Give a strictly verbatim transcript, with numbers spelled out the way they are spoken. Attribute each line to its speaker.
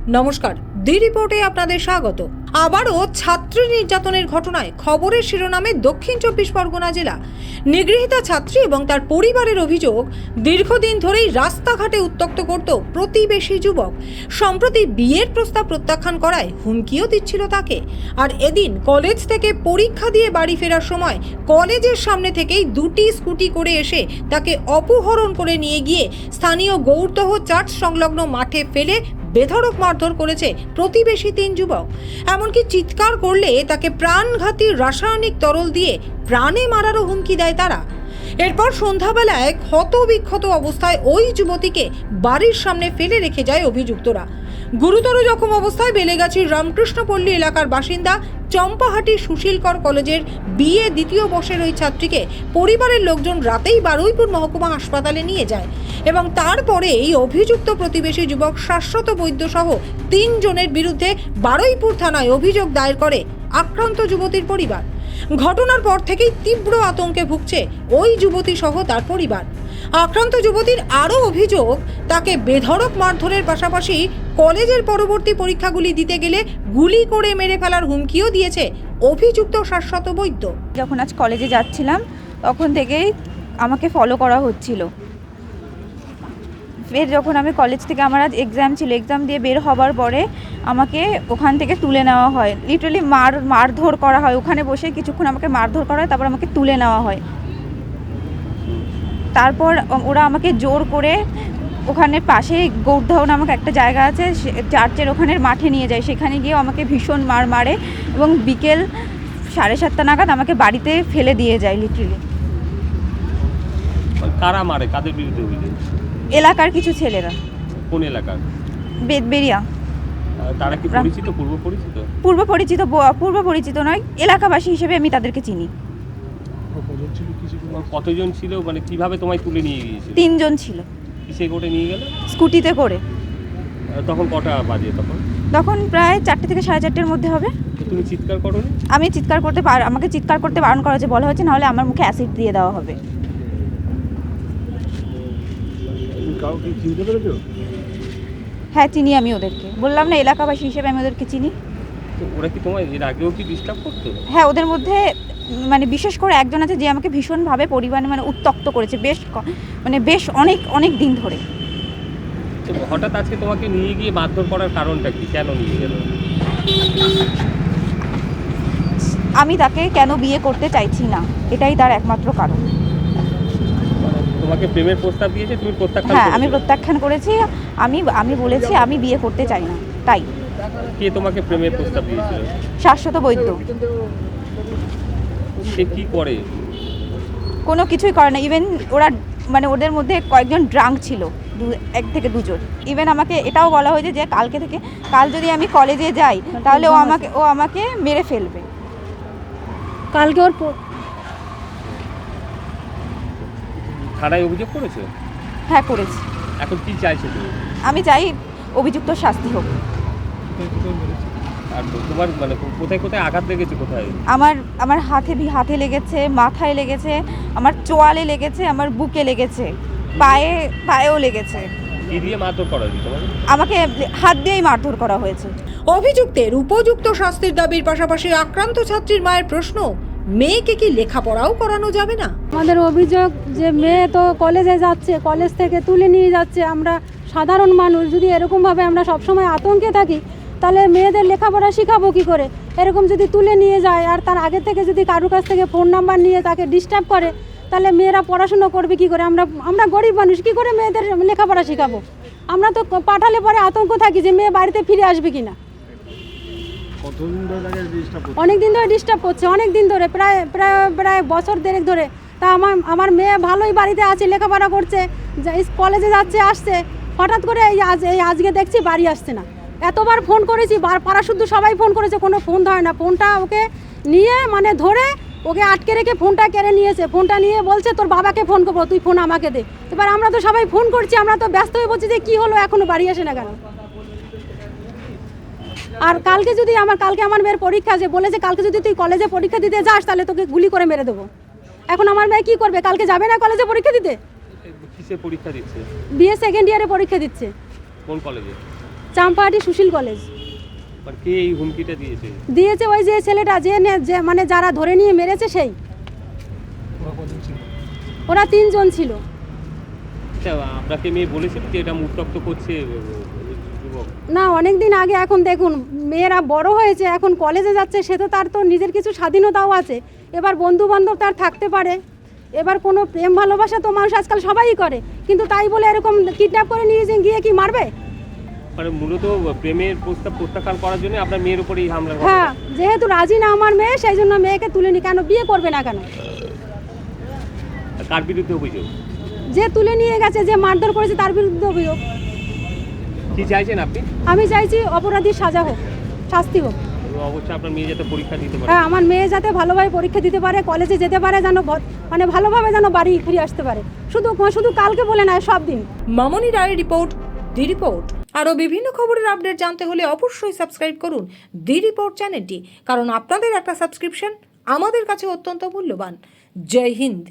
Speaker 1: নমস্কার, দি রিপোর্টে আপনাদের স্বাগত। আবারও ছাত্রী নির্যাতনের ঘটনায় খবরের শিরোনামে দক্ষিণ চব্বিশ পরগনা জেলা। নিগৃহীতা ছাত্রী এবং তার পরিবারের অভিযোগ, দীর্ঘদিন ধরেই রাস্তাঘাটে উত্ত্যক্ত করত প্রতিবেশী যুবক। সম্প্রতি বিয়ের প্রস্তাব প্রত্যাখ্যান করায় হুমকিও দিচ্ছিল তাকে। আর এদিন কলেজ থেকে পরীক্ষা দিয়ে বাড়ি ফেরার সময় কলেজের সামনে থেকেই দুটি স্কুটি করে এসে তাকে অপহরণ করে নিয়ে গিয়ে স্থানীয় গৌরদহ চার্চ সংলগ্ন মাঠে ফেলে বেধড়ক মারধর করেছে প্রতিবেশী তিন যুবক। এমনকি চিৎকার করলে তাকে প্রাণঘাতী রাসায়নিক তরল দিয়ে প্রাণে মারারও হুমকি দেয় তারা। এরপর সন্ধ্যাবেলায় ক্ষতবিক্ষত অবস্থায় ওই যুবতীকে বাড়ির সামনে ফেলে রেখে যায় অভিযুক্তরা। গুরুতর জখম অবস্থায় বেলেগাছির রামকৃষ্ণপল্লী এলাকার বাসিন্দা চম্পাহাটি সুশীলকর কলেজের বিএ দ্বিতীয় বর্ষের ওই ছাত্রীকে পরিবারের লোকজন রাতেই বারুইপুর মহকুমা হাসপাতালে নিয়ে যায় এবং তারপরে এই অভিযুক্ত প্রতিবেশী যুবক শাশ্বত বৈদ্য সহ তিন জনের বিরুদ্ধে বারুইপুর থানায় অভিযোগ দায়ের করে আক্রান্ত যুবতীর পরিবার। ঘটনার পর থেকেই তীব্র আতঙ্কে ভুগছে ওই যুবতী সহ তার পরিবার। আক্রান্ত যুবতীর আরও অভিযোগ, তাকে বেধড়ক মারধরের পাশাপাশি কলেজের পরবর্তী পরীক্ষাগুলি দিতে গেলে গুলি করে মেরে ফেলার হুমকিও দিয়েছে অভিযুক্ত শাশ্বত বৈদ্য।
Speaker 2: যখন আজ কলেজে যাচ্ছিলাম তখন থেকেই আমাকে ফলো করা হচ্ছিল। ফের যখন আমি কলেজ থেকে, আমার আজ এক্সাম ছিল, এক্সাম দিয়ে বের হবার পরে আমাকে ওখান থেকে তুলে নেওয়া হয়। লিটারালি মার মারধর করা হয়, ওখানে বসে কিছুক্ষণ আমাকে মারধর করা হয়, তারপর আমাকে তুলে নেওয়া হয়। তারপর ওরা আমাকে জোর করে ওখানে পাশে গৌরদহ নামক একটা জায়গা আছে, চার্চের ওখানের মাঠে নিয়ে যায়। সেখানে গিয়ে আমাকে ভীষণ মার মারে এবং বিকেল সাড়ে সাতটা নাগাদ আমাকে বাড়িতে ফেলে দিয়ে যায়। লিটারালি
Speaker 3: কারা মারে? কাদের বিরুদ্ধে অভিযোগ?
Speaker 2: এলাকার কিছু ছেলেরা।
Speaker 3: কোন এলাকার?
Speaker 2: বেদবেরিয়া।
Speaker 3: তারা কি পরিচিত, পূর্ব পরিচিত?
Speaker 2: পূর্ব পরিচিত পূর্ব পরিচিত নয়, এলাকাবাসী হিসেবে আমি তাদেরকে চিনি।
Speaker 3: কতজন ছিল, মানে কিভাবে তোমায় তুলে নিয়ে গিয়েছিল?
Speaker 2: তিনজন ছিল।
Speaker 3: কিসে করে নিয়ে গেল?
Speaker 2: স্কুটিতে করে।
Speaker 3: তখন কটা বাজে? তখন
Speaker 2: তখন প্রায় চারটে থেকে সাড়ে চারটের মধ্যে হবে।
Speaker 3: তুমি চিৎকার করোনি?
Speaker 2: আমি চিৎকার করতে পার আমাকে চিৎকার করতে বারণ করা হয়েছে, বলা হয়েছে নাহলে আমার মুখে অ্যাসিড দিয়ে দেওয়া হবে। হ্যাঁ, চিনি আমি ওদেরকে, বললাম না এলাকাবাসী হিসেবে আমি ওদেরকে চিনি।
Speaker 3: ওরা কি তোমায় এর আগেও কি ডিস্টার্ব করতো?
Speaker 2: হ্যাঁ, ওদের মধ্যে মানে বিশেষ করে একজন আছে যে আমাকে ভীষণভাবে পরিমাণে মানে উত্ত্যক্ত করেছে বেশ মানে বেশ অনেক অনেক দিন ধরে।
Speaker 3: হঠাৎ আজকে তোমাকে নিয়ে গিয়ে মারধর করার কারণটা কি? কেন নিয়ে গেল?
Speaker 2: আমি তাকে কেন বিয়ে করতে চাইছি না, এটাই তার একমাত্র কারণ।
Speaker 3: তোমাকে প্রেমের প্রস্তাব দিয়েছে, তুমি প্রত্যাখ্যান?
Speaker 2: হ্যাঁ, আমি প্রত্যাখ্যান করেছি। আমি আমি বলেছি আমি বিয়ে করতে চাই না। তাই
Speaker 3: কে তোমাকে প্রেমের প্রস্তাব দিয়েছিল?
Speaker 2: শাশ্বত বৈদ্য।
Speaker 3: সে কি করে?
Speaker 2: কোনো কিছুই করে না। ইভেন ওরা মানে ওদের মধ্যে কয়েকজন ড্রাঙ্ক ছিল, দু এক থেকে দুজন। ইভেন আমাকে এটাও বলা হয়েছে যে কালকে থেকে কাল যদি আমি কলেজে যাই তাহলে ও আমাকে ও আমাকে মেরে ফেলবে।
Speaker 4: কালকে ওর
Speaker 3: থানায় অভিযোগ করেছে?
Speaker 2: হ্যাঁ, করেছি।
Speaker 3: এখন কি চাইছো তুমি?
Speaker 2: আমি চাই অভিযুক্ত শাস্তি হোক।
Speaker 3: আর তোমার মানে কোথায় কোথায় আঘাত লেগেছে? কোথায়?
Speaker 2: আমার আমার হাতে হাতে লেগেছে, মাথায় লেগেছে, আমার চোয়ালে লেগেছে, আমার বুকে লেগেছে, পায়ে পায়েও লেগেছে।
Speaker 3: কি দিয়ে মারধর করা হয়েছে তোমাকে?
Speaker 2: আমাকে হাত দিয়েই মারধর করা হয়েছে।
Speaker 1: অভিযুক্তের উপযুক্ত শাস্তির দাবির পাশাপাশি আক্রান্ত ছাত্রীর মায়ের প্রশ্ন, মেয়েকে কি লেখাপড়াও করানো যাবে না?
Speaker 4: আমাদের অভিযোগ যে মেয়ে তো কলেজে যাচ্ছে, কলেজ থেকে তুলে নিয়ে যাচ্ছে। আমরা সাধারণ মানুষ যদি এরকমভাবে আমরা সবসময় আতঙ্কে থাকি তাহলে মেয়েদের লেখাপড়া শেখাবো কী করে? এরকম যদি তুলে নিয়ে যায় আর তার আগে থেকে যদি কারুর কাছ থেকে ফোন নাম্বার নিয়ে তাকে ডিস্টার্ব করে তাহলে মেয়েরা পড়াশুনো করবে কী করে? আমরা আমরা গরিব মানুষ, কী করে মেয়েদের লেখাপড়া শেখাবো? আমরা তো পাঠালে পরে আতঙ্ক থাকি যে মেয়ে বাড়িতে ফিরে আসবে কি না। অনেক দিন ধরে ডিস্টার্ব করছে, অনেক দিন ধরে, প্রায় প্রায় প্রায় বছর দেড়েক ধরে। তা আমার আমার মেয়ে ভালোই বাড়িতে আছে, লেখাপড়া করছে, কলেজে যাচ্ছে আসছে, হঠাৎ করে এই আজ এই আজকে দেখছি বাড়ি আসছে না। এতবার ফোন করেছি, পাড়া শুদ্ধ সবাই ফোন করেছে, কোনো ফোন ধরে না। ফোনটা ওকে নিয়ে মানে ধরে ওকে আটকে রেখে ফোনটা কেড়ে নিয়েছে। ফোনটা নিয়ে বলছে তোর বাবাকে ফোন করবো, তুই ফোন আমাকে দে। এবার আমরা তো সবাই ফোন করছি, আমরা তো ব্যস্ত হয়ে বলছি যে কী হলো, এখনও বাড়ি আসে না কেন? আর কালকে যদি আমার কালকে আমার মেয়ের পরীক্ষা আছে, বলেছে কালকে যদি তুই কলেজে পরীক্ষা দিতে যাস তাহলে তোকে গুলি করে মেরে দেবো। এখন আমার মেয়ে কী করবে? কালকে যাবে না কলেজে পরীক্ষা দিতে?
Speaker 3: কিসে পরীক্ষা দিচ্ছে?
Speaker 4: বিএ সেকেন্ড ইয়ারে পরীক্ষা দিচ্ছে।
Speaker 3: কোন কলেজে?
Speaker 4: চাম্পাহাটি সুশীল কলেজ।
Speaker 3: আর কে এই হুমকিটা দিয়েছে?
Speaker 4: দিয়েছে ওই যে ছেলেটা যে নে- যে মানে যারা ধরে নিয়ে মেরেছে সেই। ওরা তিনজন ছিল।
Speaker 3: আচ্ছা, আপনাকে মেয়ে বলেছিল যে এটা উত্তপ্ত করছে আহ, যুবক?
Speaker 4: না, অনেক দিন আগে। এখন দেখুন মেয়েরা বড় হয়েছে, এখন কলেজে যাচ্ছে, সে তো তার তো নিজের কিছু স্বাধীনতাও আছে। এবার বন্ধু বান্ধব তার থাকতে পারে, এবার কোনো প্রেম ভালোবাসা তো মানুষ আজকাল সবাই করে, কিন্তু তাই বলে এরকম কিডন্যাপ করে নিয়ে যে গিয়ে কি মারবে?
Speaker 3: মানে মূলত প্রেমের প্রস্তাব প্রত্যাখ্যান করার জন্য আপনার মেয়ের উপরে এই হামলার ঘটনা?
Speaker 4: হ্যাঁ, যেহেতু রাজি না আমার মেয়ে, সেই জন্য মেয়েকে তুলে নি। কেন বিয়ে করবে না কেন?
Speaker 3: কার বিরুদ্ধে অভিযোগ?
Speaker 4: যে তুলে নিয়ে গেছে, যে মারধর করেছে তার বিরুদ্ধে অভিযোগ।
Speaker 3: কি চাইছেন আপনি?
Speaker 4: আমি চাইছি অপরাধীর সাজা হোক, শাস্তি হোক।
Speaker 3: অবশ্যই আপনার মেয়ে যাতে পরীক্ষা দিতে পারে।
Speaker 4: হ্যাঁ, আমার মেয়ে যাতে ভালোভাবে পরীক্ষা দিতে পারে, কলেজে যেতে পারে, যেন ভ- মানে ভালোভাবে যেন বাড়ি ফিরে আসতে পারে। শুধু শুধু কালকে বলে নয়, সব দিন।
Speaker 1: মামনি রায়ের রিপোর্ট, দি রিপোর্ট। আরও বিভিন্ন খবরের আপডেট জানতে হলে অবশ্যই সাবস্ক্রাইব করুন দি রিপোর্ট চ্যানেলটি, কারণ আপনাদের একটা সাবস্ক্রিপশন আমাদের কাছে অত্যন্ত মূল্যবান। জয় হিন্দ।